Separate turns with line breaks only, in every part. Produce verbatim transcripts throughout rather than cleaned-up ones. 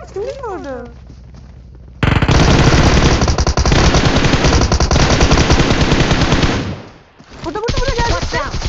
Şimdi mi vurdun? Burada burada burada gel.
Watch out!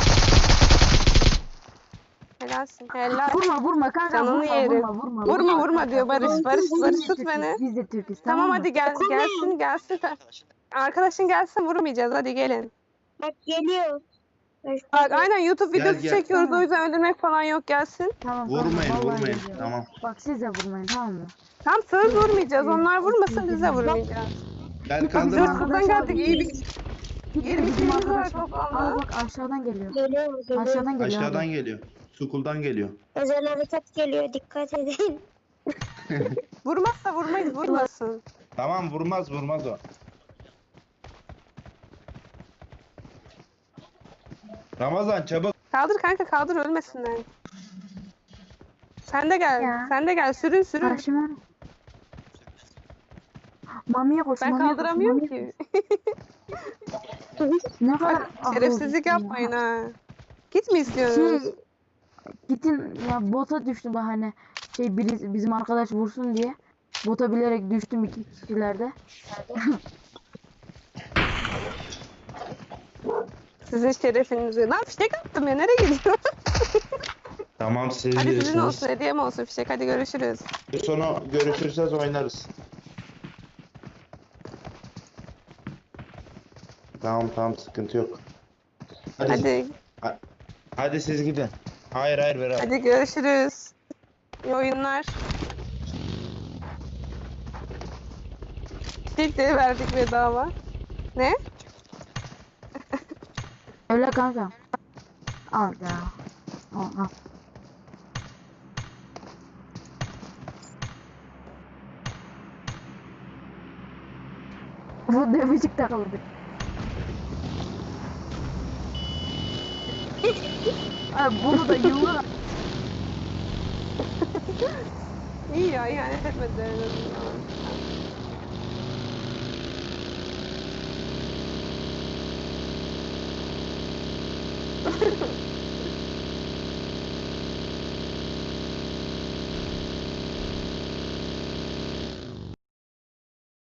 Helalsin. Helal.
Vurma vurma kanka
Canını
vurma,
yerim.
vurma vurma
Vurma vurma diyor Barış. Barış Barış tut beni.
Biz de Türk'üz
Tamam
mı?
hadi gel gelsin gelsin. Arkadaşın gelsin vurmayacağız hadi gelin.
Bak geliyor.
Bak aynen YouTube
Gel,
videosu
gel.
çekiyoruz
Tamam.
o yüzden öldürmek falan yok gelsin.
Tamam,
Vurmayın,
tamam, vallahi
vurmayın.
geliyor.
Tamam.
Bak siz de vurmayın tamam mı?
Tam söz vurmayacağız onlar vurmasın biz de vurmayacağız.
Gel
Biz
kaldır.
Bizim
hırsızdan
arkadaşlar-
geldik iyi bir
Git
yirmi
bizim
kilimiz var
arkadaşlar.
toplamda.
Aa bak aşağıdan geliyor.
Geliyor, geliyor.
Aşağıdan geliyor.
Aşağıdan
abi.
geliyor. Sukuldan geliyor.
Özel harekat geliyor. Dikkat edin.
vurmazsa vurmayız vurmasın.
Tamam vurmaz vurmaz o. Ramazan çabuk.
Kaldır kanka kaldır ölmesinler. Sen de gel.
Ya.
Sen de gel sürün sürün.
Karşıma. Mamiye koş.
Ben
mamiye koş,
kaldıramıyorum
mamiye
ki.
koş. Ne kadar
Bak, şerefsizlik
akıllısın
yapmayın
ya.
ha. Git mi istiyorsunuz?
Şey, gittin ya bota düştüm ben hani şey biri, bizim arkadaş vursun diye bota bilerek düştüm iki kişilerde.
Sizin şerefinizi. Lan fişek attım ya nereye gidiyor?
Tamam siz
Hadi sizin
bilirsiniz.
olsun hediyem olsun fişek hadi görüşürüz.
Sonra görüşürseniz oynarız. Tamam tamam sıkıntı yok. Hadi hadi,
Hadi
hadi siz gidin. Hayır hayır Berat.
hadi görüşürüz. İyi oyunlar. Fişek de verdik bedava. Ne?
Öyle kanka. Al ya. Al al. Bu dövücük takıldı. Abi bunu da yıllar
İyi ya ihanet etmediler en azından.